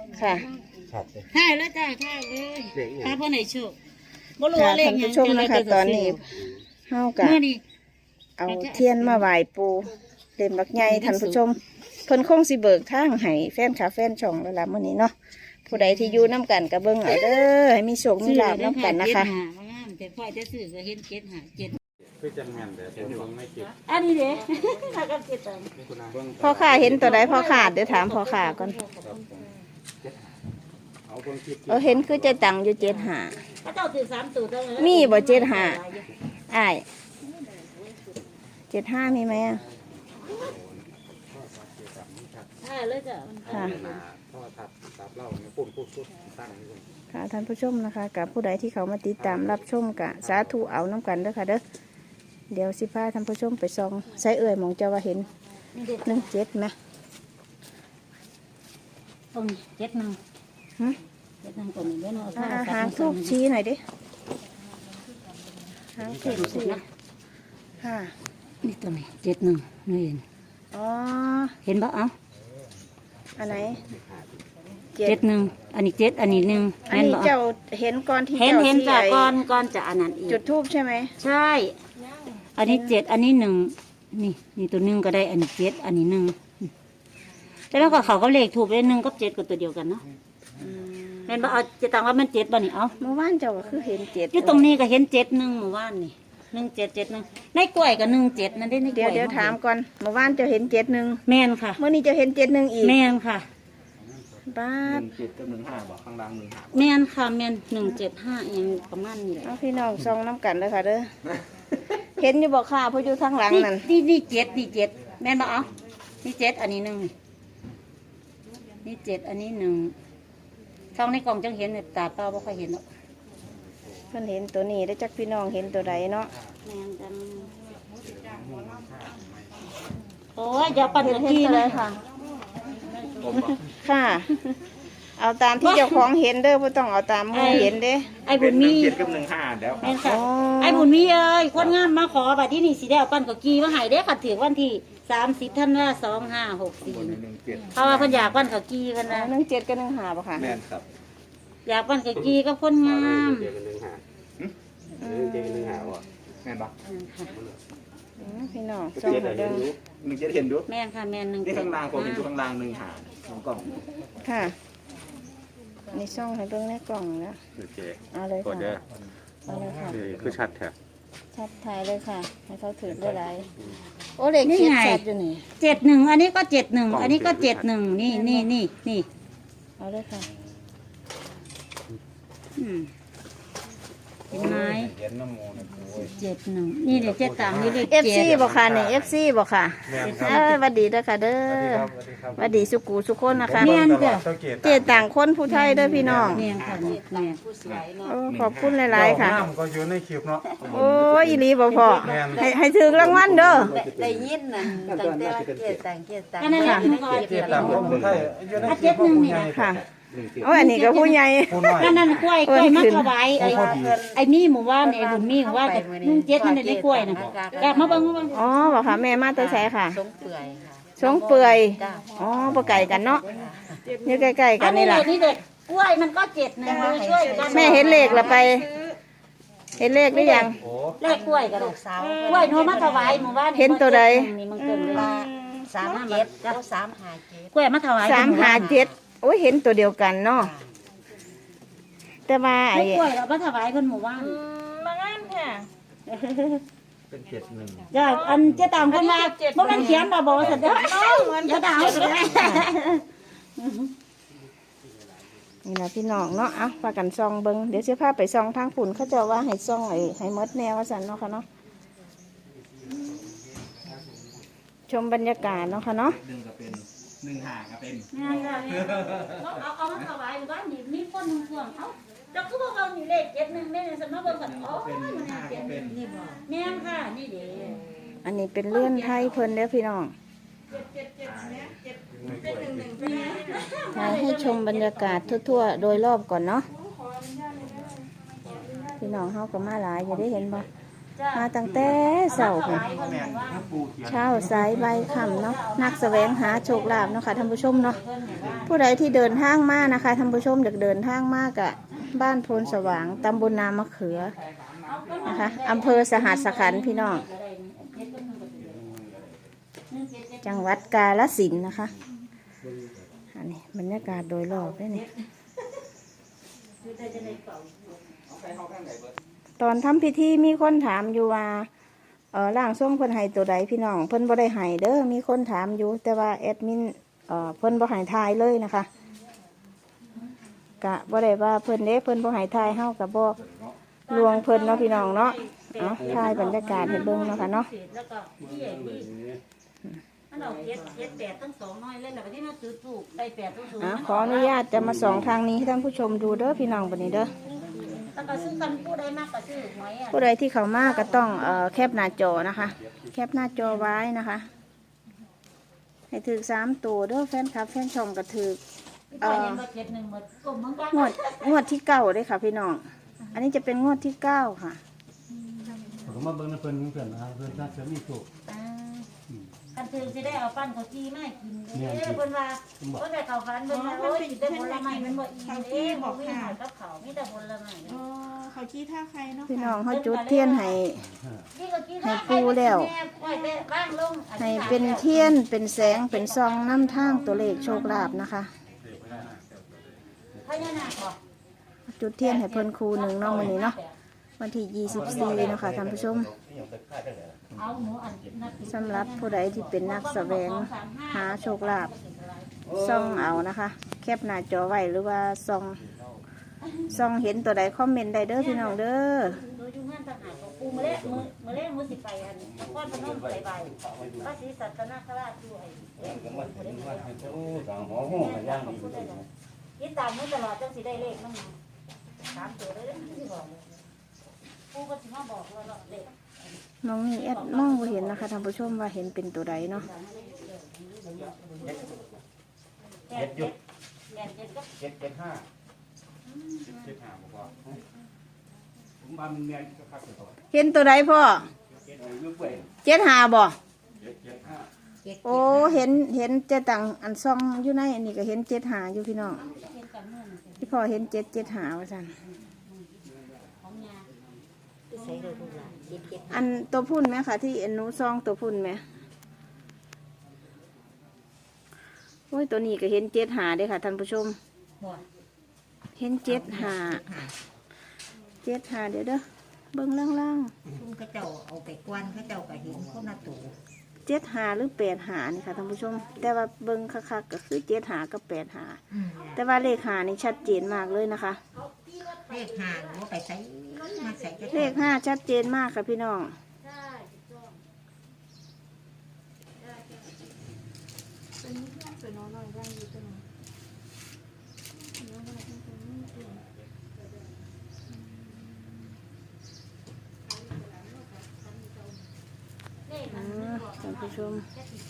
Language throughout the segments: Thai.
ค่ะถ่ายแล้วจ้าถ่ายเลยถ้าเพื่อนไหนโชคบ่รู้ค่ะว่าเลขท่านหยัผู้งชมนะคะตอนนี้เฮากะเมื่อนี้เอาเทียนมาไหว้ปูเล่มบักใหญ่ท่านผู้ชมเพิ่นคงสิเบิกทางให้แฟนคาแฟนช่องแล้วล่ะมื้อนี้เนาะผู้ใดที่อยู่น้ำกันก็เบิ่งเอาเด้อให้มีโชคมีลาภน้ำกันนะคะแต่พ่อจะซื้อก็เห็นเจ็ดหาเจ็ดคือจังแม่นแต่ผมไม่เก็บอันนี้เด้ถ้ากับเจ็ดตังพ่อข้าเห็นตัวใดพ่อข้าเดี๋ยวถามพ่อข้าก่อนเอาคนคิดเห็นคือเจะตังอยู่75 ถ้าเจ้าถือ3ตัวเท่านั้นมีบ่75 อ้าย75มีไหมอ่ะถ่ายเลยจ้ะค่ะพ่อทับตับเล่าเนี่ยปุ่นพูดตั้งนี่คนค่ะท่านผู้ชมนะคะกับผู้ใดที่เขามาติดตามรับชมกะสาธุเอาน้ำกันเด้อค่ะเด้อเดี๋ยวสิพาท่านผู้ชมไปส่องใส่เอ่ยหมองเจ้าว่าเห็น17ไหมตรงเจ็ดนึงหึเจ็ดนึงตรงนี้เด้อเนาะหางทูบชี้หน่อยดิหางทูบชี้ค่ะนี่ตรงนี้เจ็ดนึงนี่เห็นอ๋อเห็นบ่เอ้าอันไหนเจ็ดนึงอันนี้เจ็ดอันนี้หนึ่งอันนี้เจ้าเห็นก่อนที่เห็นเจ้าเห็นสิจ้ะไอ้ก่อนจะอันนั้นอีกจุดทูบใช่ไหมใช่ อันนี้เจ็ดอันนี้หนึ่งนี่ตัวหนึ่งก็ได้อันนี้เจ็ดอันนี้หนึ่งแล้วก็เขาก็เลขถูกเลยหนึ่งกับเจ็ดก็ตัวเดียวกันเนาะเห็นบ่เอาจะต่างว่ามันเจ็ดบ่นี่เอาเมื่อวานเจ้าก็คือเห็น7 อยู่ตรงนี้ก็เห็นเจ็ดหนึ่งหมู่บ้านนี่1771ในกล้วยก็17นั่นได้ในกล้วยเดี๋ยวถามก่อนเมื่อวานเจ้าเห็น71 แม่นค่ะเมื่อนี้เจ้าเห็น71อีกแม่นค่ะบ้าด 1 7กับ1 5บอกข้างล่าง1 5 แม่นค่ะแม่น175ยังประมาณนี้แหละเอาพี่น้องส่องน้ำกันเลยค่ะเด้อ เห็นอยู่บอกค่ะเพราะอยู่ทางหลังนั่นนี่เจ็ดแม่นบ่เอานี่เจ็ดอันนี้หนึ่งนี่เจ็ดอันนี้หนึ่งช่องในกล่องจังเห็นเนี่ยตาเปล่าบ่ค่อยเห็นหรอกเพิ่นเห็นตัวนี้ได้วจักพี่น้องเห็นตัวใดเนาะแม่นจังโอ้ยอย่าปั่นเห็นตะกี้ตัวใดนะค่ะ ค่ะ เอาตามที่เจ้าของเห็นเด้อบ่ต้องเอาตามหมู่เห็นเด้ไอ้บุญมี 7กับ1 5แล้วแม่นค่ะไอ้บุญมีเอ้ยคนงามมาขอบัดที่นี่สิได้เอาปั่นกับกีมาให้เด้ค่ะถึงวันที่30ธันวาคม2564 1 เพราะว่าเพิ่นอยากปั่นกับกีกันนะ 17กับ15บ่ค่ะ 7แม่นครับอยากปั่นกับกีกับคนงามเจอกัน1 5เจอกัน1 5บ่แม่นบ่พี่น้องส่องให้เด้อ 1 7เห็นดูแม่นค่ะแม่นหนึ่งนี่ข้างล่างผมเห็นอยู่ข้างล่าง1 5ของกล่องค่ะนี่ส่องให้เบิ่งในกล่องแล้วโอเคเอาเลยกดเด้อค่ะเอาเลยค่ะนี่คือชัดแท้ชัดถ่ายเลยค่ะ ให้เขาถือได้หลายโอ้เลขเขียนชัดอยู่นี่ 71อันนี้ก็71อันนี้ก็71นี่เอาเลยค่ะเห็นไหมเห็นน้ำมูนะโอ้ย 71นี่เดี๋ยว73นี่เลข FC บ่ค่ะนี่ FC บ่ค่ะแม่นครับสวัสดีเด้อค่ะเด้อสวัสดีครับสวัสดีสุกูสุคนนะคะแม่นจ้ะเจต่างคนผู้ไทยเด้อพี่น้องแม่นค่ะนี่แม่นโอ้ขอบคุณหลายๆค่ะน้ำก็อยู่ในคลิปเนาะโอ้ยอีหลีบ่พอแม่นให้ถือรางวัลเด้อได้ยินนั่นตั้งแต่ว่าเกียรต่างเกียรต่างอันนั้นล่ะมันก็เจ็ดตามคนไทยอยู่ในอ่ะคลิป 71นี่นะค่ะโอ้ยอันนี้ก็ผู้ใหญ่ผู้น้อยนั่นกล้วยมาถวายไอ้มีหมู่บ้านไอ้บุญมีหมู่บ้านกับ17นั่นได้กล้วยน่ะอยากมาเบิ่งอ๋อบ่ค่ะแม่มาแต่ไสค่ะสงเปื่อยค่ะสงเปื่อยจ้าอ๋อบ่ไกลกันเนาะอยู่ใกล้ๆกัอันนนี่นี้ล่ะนี่เด็กกล้วยมันก็7นะช่วยกันแม่เห็นเลขละไป เห็นเลขหรือยังโอ้เลขกล้วยก็ได้ลูกสาวกล้วยโนมาถวายหมู่บ้านเห็นตัวใดนี่มันเกินเลยปลา37แล้ว357 กล้วยมาถวาย 357โอ้ยเห็นตัวเดียวกันเนาะแต่ว่าไอ้ไอ้กล้วยเรามาถวายเพิ่นหมู่บ้านมางานค่ะเป็น71 จ้าอันเจะตามคนมาบ่แม่นเขียนมาบอกสันเด้ออย่าด่าเอาเลยนี่นะพี่น้องเนาะอ่ะพากันซองเบิงเดี๋ยวเสื้อผ้าไปซองทางฝุ่นเขาจะว่าให้ซองให้มดแนวว่าสันเนาะค่ะเนาะชมบรรยากาศเนาะค่ะเนาะ 1ก็เป็น1 5ก็เป็นแม่นจ้ะแม่นเอามาถวายหมู่บ้านนี่มีคนหนึงพ่วงเอ้าเจ้าคือบ่เอานี่เลข71แม่นสมมาเบิ่งกันอ๋อมันน่าเขียนนี่บ่แม่นค่ะนี่เด้อันนี้เป็นเลื่อนไทยเพิ่นเด้อพี่น้องถ่ายให้ชมบรรยากาศทั่วๆโดยรอบก่อนเนาะพี่น้องเฮาก็มาหลายอยู่ได้เห็นบ่มาตั้งแต่เช้าค่ะเช้าสายใบค่ำเนาะนักแสวงหาโชคลาภเนาะค่ะท่านผู้ชมเนาะผู้ใดที่เดินทางมานะคะท่านผู้ชมอยากเดินทางมากอะบ้านโพนสว่างตำบลนามะเขือนะคะอำเภอสหัสขันธ์พี่น้องจังหวัดกาฬสินธุ์นะคะอันนี้บรรยากาศโดยรอบด้วยนี่ตอนทำพิธีมีคนถามอยู่ว่าร่างทรงเพิ่นให้ตัวใดพี่น้องเพิ่นบ่ได้ให้เด้อมีคนถามอยู่แต่ว่าแอดมินเพิ่นบ่ให้ทายเลยนะคะกะบ่ได้ว่าเพิ่นเด้เพิ่นบ่ให้ทายเฮากับบ่ลวงเพิ่นเนาะพี่น้องเนาะเอาทายบรรยากาศให้เบิ่งเนาะค่ะเนาะแล้วก็ที่ใหญ่ที่มันเอาเจ็ดแปดทั้งสองน้อยเล่นแล้วที่มาซื้อถูกได้แปดทั้งสูงขออนุญาตจะมาส่องทางนี้ให้ท่านผู้ชมดูเด้อพี่น้องบัดนี้เด้อแล้วก็ซื้อกันผู้ใดมากก็ซื้อหวยอ่ะผู้ใดที่เข้ามาก็ต้องแคปหน้าจอนะคะ แคปหน้าจอไว้นะคะ ให้ถือ3 ตัวเด้อแฟนคลับแฟนช่องก็ถือเห็นว่าเจ็ดหนึ่งหมดกลุ่มเหมือนกันงวดที่9เด้อค่ะพี่น้องอันนี้จะเป็นงวดที่9ค่ะผมมาเบิ่งนะเพิ่นนะครับเพิ่นน่าจะมีสุขกันถึงจะได้เอาปั้นเขาจี้มากินเด้เพิ่นว่าเพิ่นได้ข้าวฟันเพิ่นว่าโอ้ยได้ผลไม้มันบ่อิ่มเด้บอกมีหอยกับเขามีแต่ผลไม้เขาชี้ท่าใครเนาะพี่น้องเขาจุดเทียนให้ ให้ปูแล้ว ให้เป็นเทียนเป็นแสงเป็นซองน้ำทางตัวเลขโชคลาภนะคะพญานาคบ่จุดเทียนให้เพิ่นครูหนึ่งเนาะวันนี้เนาะวันที่24เนาะค่ะท่านผู้ชมเอาหมูอันนักสำหรับผู้ใดที่เป็นนักแสวงหาโชคลาภซ่องเอานะคะ แคปหน้าจอไว้หรือว่าซ่องเห็นตัวใดคอมเมนต์ได้เด้อพี่น้องเด้อโดยอยู่งานทหารของปูมื้อแรกมื้อสิไปอันนครพนมไปพระศรีสัตนคราชด้วยยึดตามมื้อตลอดจังสิได้เลขมัน3 ตัวเลยสิบอกปูก็สิมาบอกว่าเลขน้องนี่แอดมองบ่เห็นนะคะท่านผู้ชมว่าเห็นเป็นตัวใดเนาะเจ็ดยุดเจ็ดก็ 775บ่พอผมว่ามันแม่นคักๆตัวเห็นตัวใดพ่อลูกเว้ย 75บ่ 775 โอ้เห็นเจตังอันซ่องอยู่ในอันนี้ก็เห็น75อยู่พี่น้องที่พ่อเห็น775ว่าซั่นใส่เลยลูกหลานเก็บอันตัวพุ่นไหมคะที่เอ็นหนูซองตัวพุ่นไหมโอ้ยตัวนี้ก็เห็น75เด้อค่ะท่านผู้ชมเห็น75เดี๋ยวเด้อเบิ่งล่างคุณเขาเจ้าเอาไปกวนเขาเจ้าก็เห็นคนละตัวๆ75หรือ85นี่ค่ะท่านผู้ชม แต่ว่าเบิ่งคักๆก็คือ75กับ85แต่ว่าเลข5นี่ชัดเจนมากเลยนะคะเลขห่างว่าไปใส่มาใส่จะเลข5ชัดเจนมากค่ะพี่น้องท่านผู้ชม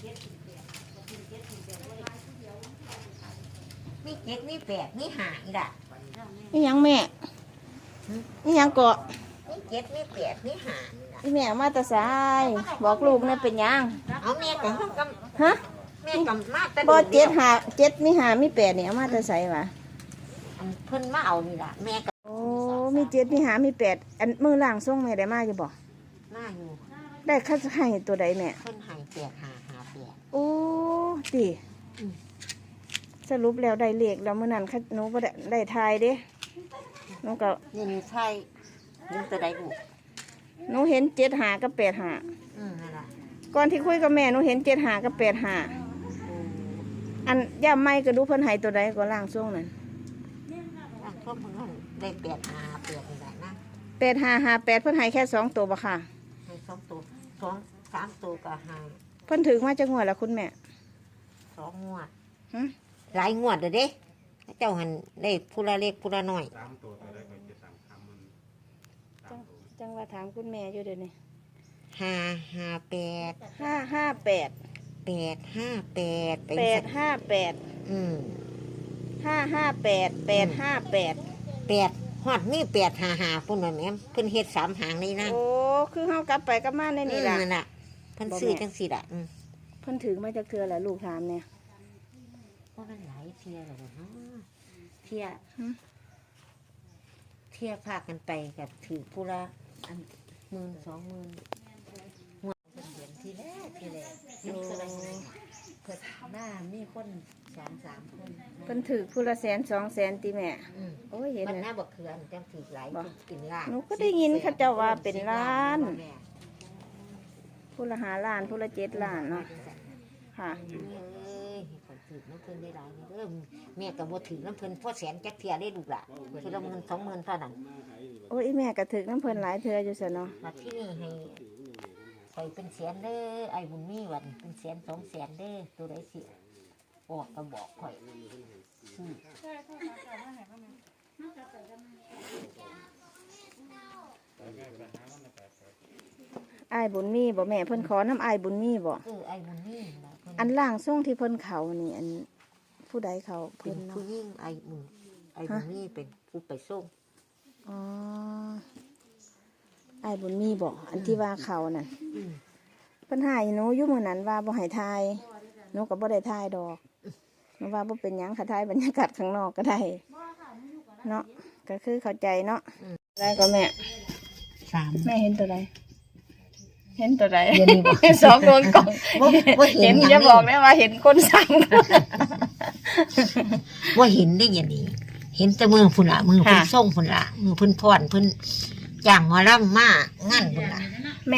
มีเจ็ดมีแปดมีห่างอีกละนี่ยังแม่นี่ยังเกาะมีเจ็ดมีแปดมีห่างอีกละนี่แม่มาแตาสายบอกลูกเนี่ยเป็นหยังเอาแม่กับห้องกับฮะแม่กับมาแต่บ่เดียว 7มี5มี8เนี่ยเอามาแตาใสวะเพิ่นมาเอานี่ล่ะแม่กับโอ้มี7มี5มี8อันมือล่างส่งแม่ได้มาอยู่บ่มาอยู่ได้คัดให้ตัวใดแม่เพิ่นใหายแปดหาแปดโอ้ติสรุปแล้วได้เลขแล้วมื้อนั้นหนูบ่ได้ทายเด้หนูก็นี่ใช่ยิงตัวใดบุหนูเห็น75กับ85 นั่นล่ะก่อนที่คุยกับแม่หนูเห็น75กับ85อันย่าไม่ก็ดูเพิ่นให้ตัวใดก็ล่างส่งนั่นพวกมึงนั่นได้แปดหาแปดนี่แหละนะ 8558เพิ่นให้แค่2ตัวบ่ค่ะให้2 ตัว2 3 ตัวก็หาเพิ่นถึงมาจากงวดแล้วคุณแม่ 2 งวดหึหลายงวดเด้อเด้เจ้าหันได้ผู้ละเล็กผู้ละน้อย 3ตัวได้ก็จะ3คำมันจังว่าถามคุณแม่อยู่เดี๋ยวนี้ 558 558 858 858 อืม 558 858 8 ฮอดมี855พุ่นว่าแม่เพิ่นเฮ็ด3หางนี่นะโอ้คือเฮากลับไปกลับมาได้นี่ล่ะนั่นน่ะเพิ่นซื้อจังซี่ล่ะเพิ่นถือมาจากเทือแหละลูกถามเนี่ยว่ามันหลายเที่ยแล้วเนาะเที่ยหึเที่ยพากันไปกับถือผู้ละอัน10,000 20,000หัวเป็นเดือนที่แรกนี่ก็ได้เพิ่นหน้ามีคน2-3 คนเพิ่นถือผู้ละ100,000 200,000ติแม่โอ้ยเห็นมันน่ะหน้าบักเขือนจังถือหลายบ่เป็นล้านหนูก็ได้ยินเขาเจ้าว่าเป็นล้าน ผู้ละ5ล้านผู้ละ7ล้านเนาะค่ะเอ้ยคนถือน้ำเพิ่นได้หลายเด้อแม่ก็บ่ถือน้ำเพิ่นพอแสนจักเที่ยได้ลูกล่ะทีละ10,000 20,000เท่านั้นโอ้ยอีแม่ก็ถือน้ำเพิ่นหลายเทืออยู่ซะเนาะมาที่นี่ให้ใส่เป็นแสนเด้อไอ้บุญมีวันเป็นแสน200,000เด้อตัวใดสิออกก็บอกข่อยซื้ออ้ายบุญมีบ่แม่เพิ่นขอน้ำอ้ายบุญมีบ่ไอ้บุญมีนะเพิ่นอันล่างส่งที่เพิ่นเขานี่อันผู้ใดเขาเป็เพิ่นนผู้เนาะหญิงไอ้บุญมีเป็นผู้ไปส่งอ๋ออ้ายบุญมีบ่อันที่ว่าเขาน่ะอืมเพิ่นหายหนูอยู่มื้อนั้นว่าบ่ให้ทายหนูก็บ่ได้ทายดอกหนูว่าบ่เป็นหยังค่ะทายบรรยากาศข้างนอกก็ได้เนาะก็คือเข้าใจเนาะได้ก็แม่ 3 แม่เห็นตัวใดเห็นตัวใดเห็นนี่บ่สองโดนกล่องบ่เห็เห็นนหยังจะบอกได้ว่าเห็นคนสั่งว่าเห็นได้อย่างนี้เห็นแต่มือพุ่นละมือเพุ่นค่ะส่งพุ่นละมือเพุ่นพรเพุ่นจ้างหมอลำมางั้นพุ่นละแม่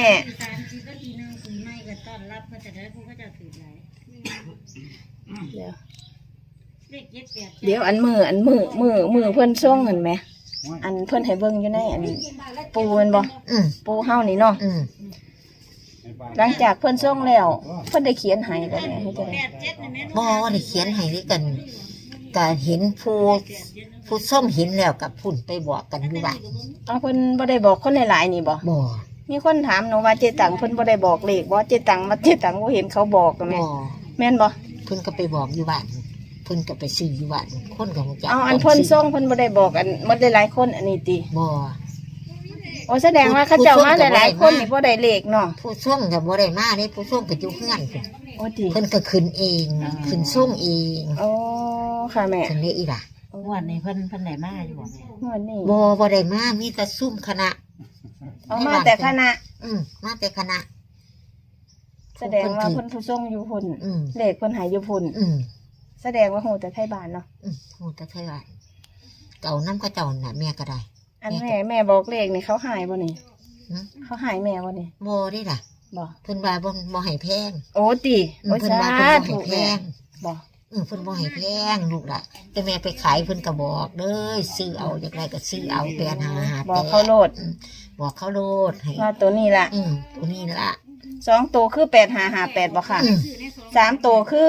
เดี๋ยวอันมือเพิ่นส่งเห็นไหมอันเพิ่นให้เบิ่งอยู่ในอันปูแมันบ่อืมปูเฮานี่เนาะอืมหลังจากเพิ่นส่งแล้วเพิ่นได้เขียนให้บ่แม่ให้จังได๋บ่ได้เขียนให้ด้วยกันก็เห็นผู้ส้มเห็นแล้วกับพุ่นไปบอกกันอยู่บ้านเอาเพิ่นบ่ได้บอกคนหลายๆนี่บ่บ่มีคนถามหนูว่าเจตังเพิ่นบ่ได้บอกเลขบ่เจตังบ่เห็นเขาบอกก็แม่บ่แม่นบ่เพิ่นก็ไปบอกอยู่บ้านเพิ่นก็ไปซื้ออยู่บ้านคนก็รู้จักเอาอันเพิ่นส่งเพิ่นบ่ได้บอกอันหมดหลายๆคนอันนี้ติบ่โอ้แสดงว่าเขาเจ้ามาหลายๆคนนี่บ่ได้เลขเนาะผู้ส่งก็บ่ได้มาเด้ผู้ส่งก็อยู่เฮือนพุ่นโอ้ติเพิ่นก็ขึ้นเองขึ้นส่งเองโอ้ค่ะแม่จังได๋อีล่ะวันนี้เพิ่นไหนมาอยู่บ่แม่งวดนี้บ่ได้มามีแต่ซุ่มคณะเอามาแต่คณะมาแต่คณะแสดงว่าเพิ่นผู้ส่งอยู่พุ่นอืมเลขเพิ่นใหายอยู่พุ่นอืมแสดงว่าโหแต่ไทยบ้านเนาะโหแต่เท่าไหร่เก่าน้ำก็เจ้าน่ะแม่ก็ได้อันแม่บอกเลขนี่เขาหายบ่นี่หึเขาหายแม่บ่นี่บ่ได้ล่ะบ่เพิ่นว่าบ่ให้แพงโอ้ติโอ้เพิ่นสาว่าเพิ่นบ่ให้ธุแพแม่งบ่เพิ่นบ่ให้แพงลูกล่ะแต่แม่ไปขายเพิ่นก็บอกเด้อซื้อเอาอยากได้ก็ซื้อเอาแปดหาหาบอกเขาโลดบอกเขาโลดให้ว่าตัวนี้ล่ะตัวนี้ล่ะ 2ตัวคือ8558บ่ค่ะอืม 3ตัวคือ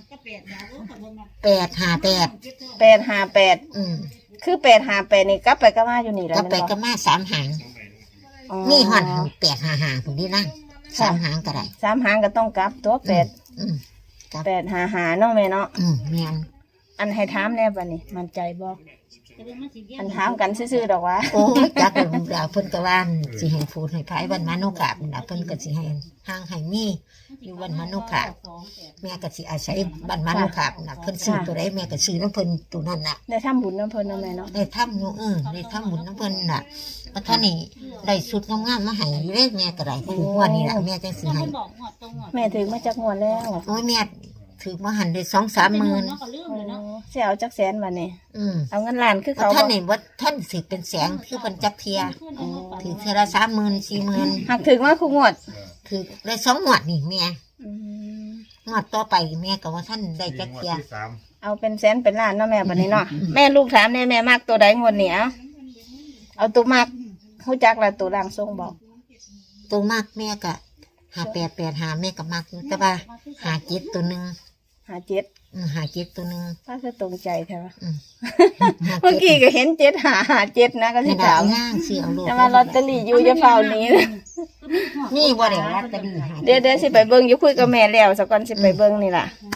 858 858คือ858นี่กลับไปกลับมาอยู่นี่แหล้วก็ไปก็มา3หางมีฮอด855พุ่นนี่นั่ง3หางก็ได้ 3หางก็ต้องกลับตัว8 อืม 855เนาะแม่เนาะแม่นอันให้ถามแน่บัดนี้มั่นใจบ่อันถามกันซื่อๆดอกว่าโอ้ยจักกันดาเพิ่นก็ว่าสิให้พูดให้พายวันมานุกาบน่ะเพิ่นก็สิให้ห่างให้มีอยู่วันมานุกาบแม่ก็สิอาศัยบ้านมานุกาบน่ะเพิ่นซื้อตัวใดแม่ก็ซื้อนํเพิ่นตัวนั้นน่ะได้ทำบุญน้ำเพิ่นเนาะแม่เนาะได้ทำอยู่ได้ทำบุญนํเพิ่นน่ะว่าท่านนี่ได้สุดงามๆมาให้อยู่เด้แม่ก็ได้คืองวดนี้ล่ะแม่จังสิให้แม่ถึงมาจากงวดแล้วโอ้ยแม่ถือมาหันได้ 2-3 หมื่นเสียเอาจักแสนบัดนี้ เอาเงินล้านคือว่าเขาท่านบ่นี่ว่าท่านสิเป็นแสงคือเพิ่นจักเทียถือเทื่อละ30,000 40,000 หักถึงว่าคู่งวดคือได้2งวดนี่แม่อืมงวดต่อไปแม่ก็ว่าท่านได้จักเทียเอาเป็นแสนเป็นล้านเนาะแม่บัดนี้เนาะแม่ลูกถามแน่แม่มักตัวใดงวดนี้เอาตัวมักฮู้จักละตัวร่างทรงบอกตัวมากแม่ก็5885แม่ก็มักอยู่แต่ว่า57ตัวหนึง 57 57ตัวหนึงถ้าคือตรงใจแท้วะอืมเมื่อกี้ก็เห็น7557นะก็สินี่ถามย่างซื้อเอาโลดแต่ว่าลอตเตอรี่อยู่จะเฝ้าหนี้นะนี่บ่ได้ลอตเตอรี่เดี๋ยวสิไปเบิ่งอยู่คุยกับแม่แล้วสักก่อนสิไปเบิ่งนี่ล่ะเนาะ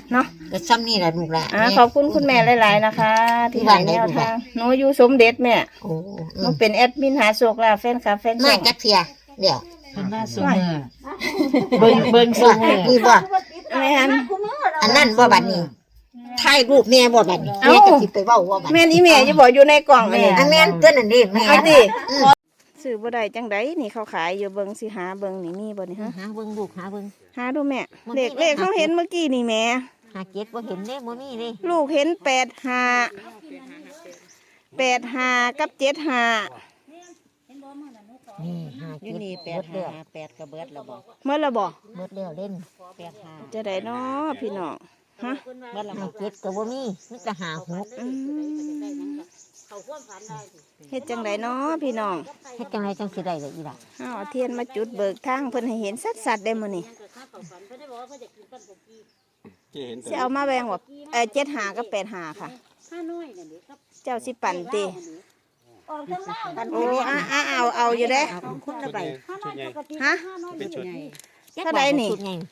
ก็ซ้ำนี่แหละลูกหละขอบคุณคุณแม่หลายๆนะคะ ที่ให้แนวทางหนูอยู่สมเด็จแม่โอ้หนูเป็นแอดมินหาโชคลาภแฟนคลับแฟนช่มาองจักเทียเดี๋ยวเป็นว่าสูงมือเบิ่งซุมื้อนี่บ่แม่นอันนั้นบ่บัดนี้ถ่ายรูปแม่บ่บัดนี้แม่จะสิไปเว้าว่าบัดแม่นอีแม่จะบอกอยู่ในกล่องอันนี้อันแม่นเตือนนั่นดิแม่เอาดิซื้อบ่ได้จังไดนี่เขาขายอยู่เบิ่งสิหาเบิ่งนี่มีบ่นี่ฮะหาเบิ่งลูกหาเบิ่งหาดูแม่เลขเขาเห็นเมื่อกี้นี่แม่หาเก็ดบ่เห็นเด้บ่มีเด้ลูกเห็น85กับ75 นี่หาอยู่เก็ดนี่เบิดแล้ว 8กระเบิดแล้วบ่เมื่อละบ่เบิดแล้วเล่น 85 จะได้เนาะพี่น้องฮะเบิดแล้วหาเก็ดก็บ่มีมีแต่หาหกอืมเฮ็ดจังไดเนาะพี่น้องเฮ็ดจังไดจังสิได้ล่ะอีหล่ะเอาเทียนมาจุดเบิกทางเพิ่นให้เห็นสัดๆได้มื้อนี้ที่เห็นสิเอามาแบ่งว่า75กับ85ค่ะเจ้าสิปั่นติโอ้เอาอยู่เด้เอาคนละใบชุดใหญ่ฮะเป็นชุดเท่าใดนี่ชุดใหญ่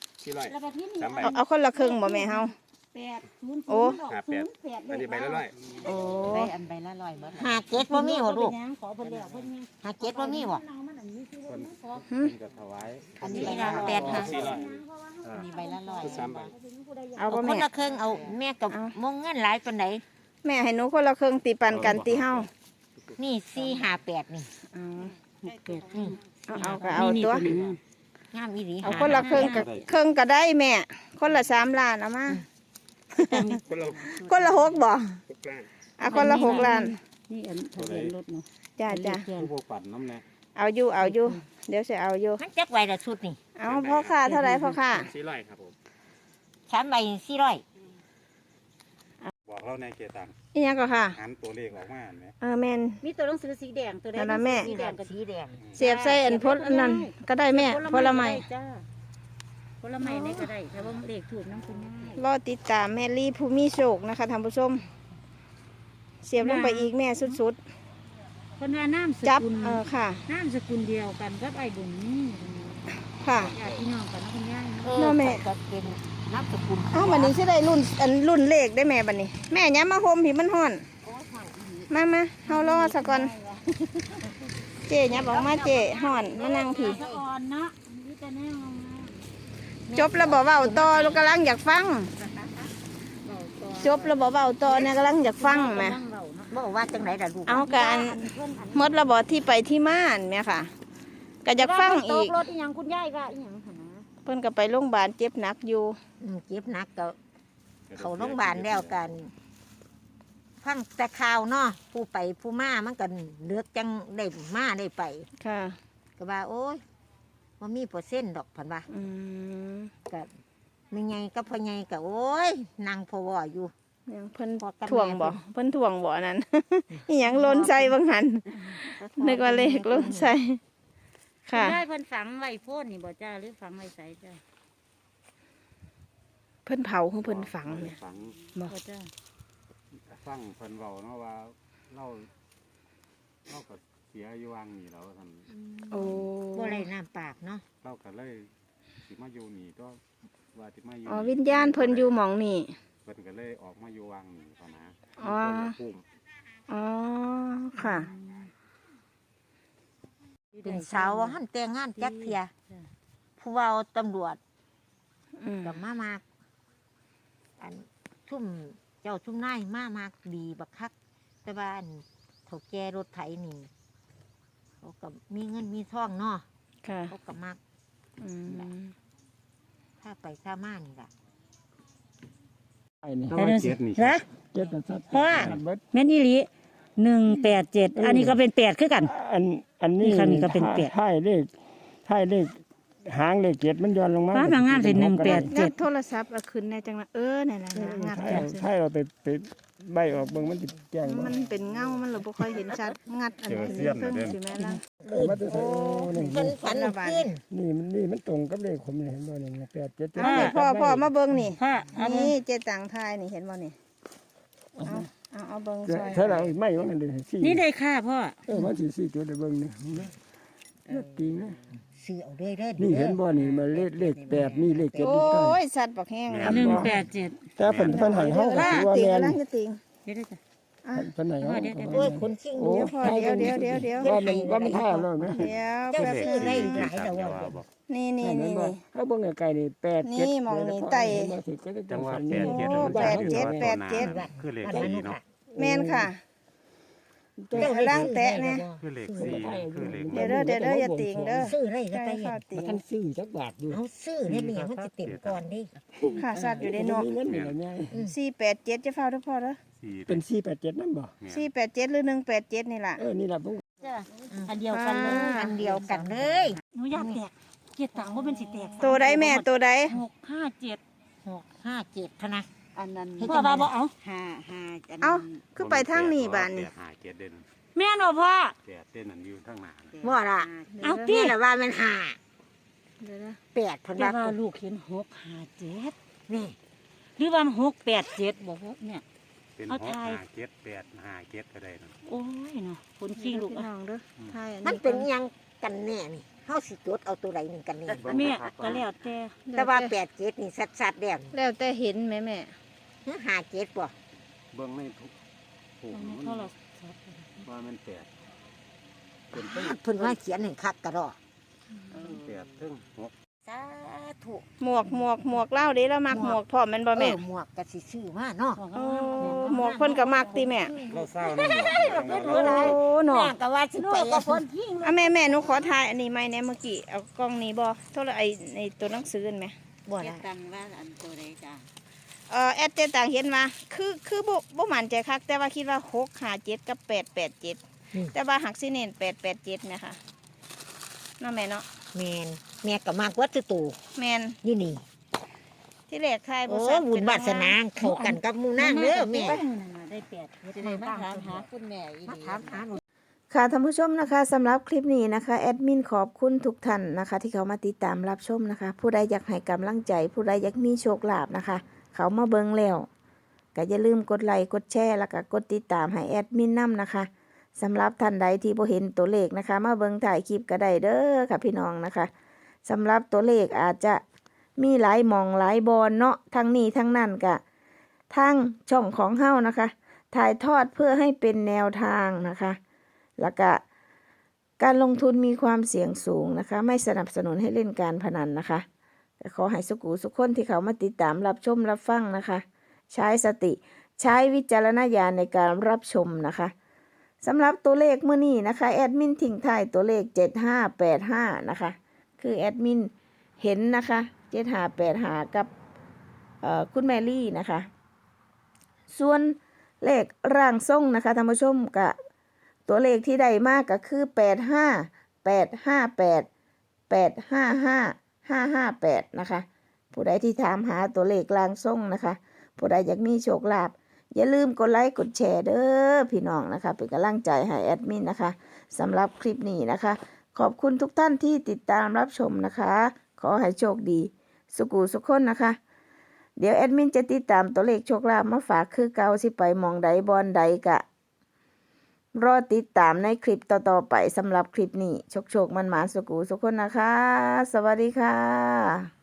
400 3ใบเอาคนละครึ่งบ่แม่เฮาโอ้ 58อันนี้ใบละร้อยโอ้ได้อันใบละ100เบิดหาเก็ดบ่มีบ่ลูกหาเก็ดบ่มีบ่คนก็ถวายอันนี้นี่ใบละละแปดหา 400 อันนี้ใบละ100 ชุด3ใบเอาเอาบ่คนแม่ละครึ่งเอาแม่กับมงเงินหลายปานใดแม่ให้หนูคนละครึ่งตีปันกันตีเฮานี่4 5 8นี่เอานี่เอาก็เอาตัวงามอีหลีเอาคนละครึ่งก็ครึ่งก็ได้แม่ คนละ3 ล้านเอามาคนละคนละ6บ่ 6ล้านเอาคนละ6 ล้านนี่อันทะเบียนรถเนาะจ้าจ้าผู้พวกปั่นน้ำแน่เอาอยู่เดี๋ยวสิเอาอยู่มันจักไว้ละชุดนี่เอาพ่อค้าเท่าไหร่พ่อค้า 400ครับผม 3ใบ400 บอกเราในเกตังอีหยังก็ค่ะหันตัวเลขออกมาเห็นไหมแม่นมีตัวหนังสือสีแดงตัวแดงนั่นน่ะแม่สีแดงกับสีแดงเสียบใส่อันพดอันนั้นก็ได้แม่ผลไม้จ้าผลไม้นี่ก็ได้แต่ว่าเลขถูกน้ำคุณย่ายรอติดตามแม่ลี่ผู้มีโชคนะคะท่านผู้ชม เสียบลงไปอีกแม่สุดคนว่าน้ำสๆ จับกุลค่ะน้ำสกุลเดียวกันกับไอ้บุญนี่ค่ะญาติพี่น้องกันนะคุณย่ายเนาะแม่ก็เป็นนับสกุลเอ้าบัดนี้สิได้รุ่นเลขได้แม่บัดนี้ แม่ย้ำมาโฮมผีมันห่อน มาเฮารอสักก่อนเจ๊ย้ำบอกมาเจ๊ห่อนมานั่งผีสะอ่อนเนาะนี่แต่แน่งงจบแล้วบอกว่าเอาต่อลูกกำลังอยากฟัง จบแล้วบอกว่าเอาต่อเนี่ยกำลังอยากฟังแหมบอกว่าจังไหนล่ะลูกเอาการหมดระบอที่ไปที่ม่านแม่ค่ะก็อยากฟังอีกรถอีหยังคุณย่ายก็อีหยังหั่นนะเพิ่นก็ไปโรงพยาบาลเจ็บหนักอยู่เจ็บหนักก็เขาโรงพยาบาลแล้วกัน ฟังแต่ข่าวเนาะผู้ไปผู้มามันกันเลือกจังได้มาได้ไปค่ะก็ว่า โอ้ยว่ามีเปอร์เซ็นต์ดอกพันว่าอืมก็ไม่ไงก็พอไงก็โอ้ยนางพอวออยู่ยังเพิ่นพอกับถ่วงบ่แม่เพิ่นถ่วงบ่นั้น อีหยังหล้นใส่บางหันนึกว่าเลขหล้นใส่คุค่ะณย่ายเพิ่นฝังไว้โพดนี่บ่จ้าหรือฝังไว้ไสจ้าเพิ่นเผาของเพิ่นฝังเนี่ยฝังบ่จ้าฟังเพิ่นเว้าเนาะว่าเราก็เสียอยู่วางนี่แล้วท่านโอ้บ่ไรน้ำปากเนาะเราก็เลยสิมาอยู่นี่ก็ว่าสิมาอยู่อ๋อวิญญาณเพิ่นอยู่หม่องนี่เพิ่นก็เลยออกมาอยู่วางนี่พอนะอ๋อปุ่มอ๋อค่ะเป็นสาวหันแต่งงานจักเทียผู้เว่าตำรวจอืมกับมากอันทุ่มเจ้าทุ่มนายมากดีบักคัก แต่ว่าอันเขาแก่รถไถนี่เขากับมีเงินมีทองเนาะค่ะเขากับมากอืมถ้าไปถ้ามานี่ล่ะถ้าว่าเจ็ดนี่นะเจ็ดนะครัเพราะว่าแม่นอีหลี187อันนี้ก็เป็น8คือกันอันนี้นี่ค่ะนี่ก็เป็นแปดท้ายเลขหางเลขเจ็ดมันย้อนลงมาฟ้าบางงามเป็น1 8 งัดโทรศัพท์เอาขึ้นในจังหวะนั่นแหละนะงัดท้ายจังซี่ท้ายเราไปใบออกเบิ่งมันจะแจ้งมันเป็นเงา มันเราบ่ค่อยเห็นชัด งัดอันนี้เพิ่งสิแม่ล่ะมาจะใส่นี่เพิ่นฝันเอาขึ้นมันตรงกับเลขผมนี่เห็นบ่นี่8 7 เอานี่พ่อมาเบิ่งนี่พ่อเอามือนี่เจตังทายนี่เห็นบ่นี่ เอาเบิ่งซอยถ้าเราไม่ว่ามันเลยสี่นี่ได้ค่ะพ่อมันสิ4ตัวได้เบิ่งนี่เลือดตีนะซื้อเอาเด้อเด้อนี่เห็นบ่นี่มาเลข8นี่เลข7 โอนี่ใต้้ยสัตว์บักแห้ง 187 แต่เพิ่นให้เฮาก็ล่าถือว่าติงแม่นล่างจะติงเดี๋ยวจ้ะเพิ่นให้เฮาโอ้ยคนชิงโอ้เดี๋ยวเดี๋ยวว่ามันท่าแล้วนะเดี๋ยวเจ้าแป๊บซื้อนึงได้หลายแล้วว่าบอกนี่นี่เห็นี่นบ่นี่เฮาเบิ่งไกลๆนี่8 7 นี่มองนี่ไต่จังหวะนี่ 8 7 โอ้มันแปดเจ็ดแปดเจ็ดคือเลขอันนั้น 4เนาะแม่นค่ะเจ้าได้ล่างแตะเนี่ยคือเลข4คือเลขเดี๋ยวเด้ออย่าติงเด้อซื้อได้ก็ใช่ไปค่ะติงท่านซื้อจักบาทอยู่เอาซื้อได้แม่มันจะเต็มก่อนดิค่ะสัตว์อยู่ในนอกมีเงินนี่ล่ะยาย 487จะเฝ้าเด้อพ่อเด้อ 4 เป็น487นั่นบ่ 487หรือ187นี่ล่ะนี่ล่ะผมจ้ะอันเดียวกันเลยอันเดียวกันเลยหนูอยากแตกเจ็ดต่างว่าเป็นสิแตกตัวใดแม่ตัวใด 657 657พะนะอันนั้นพ่อว่าบ่เอาห้าเอ้าคือไปทางนี้บ้านนี่ 5 7เด่นแม่นบ่พ่อ 8เด่นนั่นอยู่ทางหน้าบ่ล่ะเอาตินี่แหละว่ามัน5 เดี๋ยวนะ 8พะแต่นะว่าลูกเห็น657 นี่หรือว่า687บ่พ่อเนี่ยเป็นเอา 6 ทาย 5 7 8 5 7ก็ได้นั่นโอ้ยเนาะคนขี้ลูกพี่อะน้องเด้อทายอันมันนี้เป็นหยังกันแน่นี่เฮาสิจดเอาตัวใดหนึงกันแน่แม่ก็แล้วแต่แต่ว่า87นี่ชัดๆแล้วแล้วแต่เห็นแม่แม่ 57บ่เบิ่งในทุกผูกตรงนี้มันโทรศัพท์ว่ามัน8เป็นไปเพิ่นว่าเขียนให้คักกะดอ 8ถึง6 สาธุหมวกเล่าเด้แล้วมักหมวกพร้อมแม่นบ่แม่หมวกก็สิซื้อมาเนาะโอ้หมวกเพิ่นก็มักติแม่เราเศร้านั่นแหละโอ้หนอแม่ก็ว่าสิไปแล้วอ่ะแม่หนูขอถ่ายอันนี้ไหมเนี่ยเมื่อกี้เอากล้องนี้บ่โทรไอ้ตัวหนังสือนั่นแหมบ่เจ็ได้ดตังว่าอันตัวใดจ้ะแอดเจต่างเห็นมาคือบ่มั่นใจคักแต่ว่าคิดว่า657กับ887แต่ว่าหักสิเน้น887นะคะเนาะแม่เนาะแม่ก็มากวัดตู่แม่นอยู่นี่ที่แรกทายบ่โอ้ซักบุญวาสนาเข้ากันกับหมู่นางเด้อแม่ได้8 จะได้มาถามหาคุณแม่อีมาดีถามหาหนูค่ะท่านผู้ชมนะคะสำหรับคลิปนี้นะคะแอดมินขอบคุณทุกท่านนะคะ ที่เขามาติดตามรับชมนะคะ ผู้ใดอยากให้กำลังใจ ผู้ใดอยากมีโชคลาภนะคะ เขามาเบิ่งแล้วก็อย่าลืมกดไลค์กดแชร์แล้วก็กดติดตามให้แอดมินนํนะคะสำหรับท่านใดที่บ่เห็นตัวเลขนะคะ มาเบิ่งถ่ายคลิปก็ได้เด้อค่ะพี่น้องนะคะสำหรับตัวเลขอาจจะมีหลายหมองหลายบอนเนาะทั้งนี้ทั้งนั้นก็ทางช่องของเฮานะคะ ถ่ายทอดเพื่อให้เป็นแนวทางนะคะ แล้วก็การลงทุนมีความเสี่ยงสูงนะคะ ไม่สนับสนุนให้เล่นการพนันนะคะขอให้สุขุสุขคนที่เขามาติดตามรับชมรับฟังนะคะ ใช้สติใช้วิจารณญาณในการรับชมนะคะสำหรับตัวเลขเมื่อนี้นะคะแอดมินทิ้งท้ายตัวเลข7585นะคะคือแอดมินเห็นนะคะ7585กับคุณแมรี่นะคะส่วนเลขร่างทรงนะคะท่านผู้ชมกับตัวเลขที่ได้มากก็คือ8585855558นะคะผู้ใดที่ถามหาตัวเลขร่างทรงนะคะผู้ใดอยากมีโชคลาภอย่าลืมกดไลค์กดแชร์เด้อพี่น้องนะคะเป็นกำลังใจให้แอดมินนะคะสำหรับคลิปนี้นะคะขอบคุณทุกท่านที่ติดตามรับชมนะคะขอให้โชคดีสุขุสุขคนนะคะเดี๋ยวแอดมินจะติดตามตัวเลขโชคลาภมาฝากคือเก่าสิไปมองใดบอนใดกะรอติดตามในคลิปต่อๆไปสำหรับคลิปนี้โชคมันหมานสุขุสุขคนนะคะสวัสดีค่ะ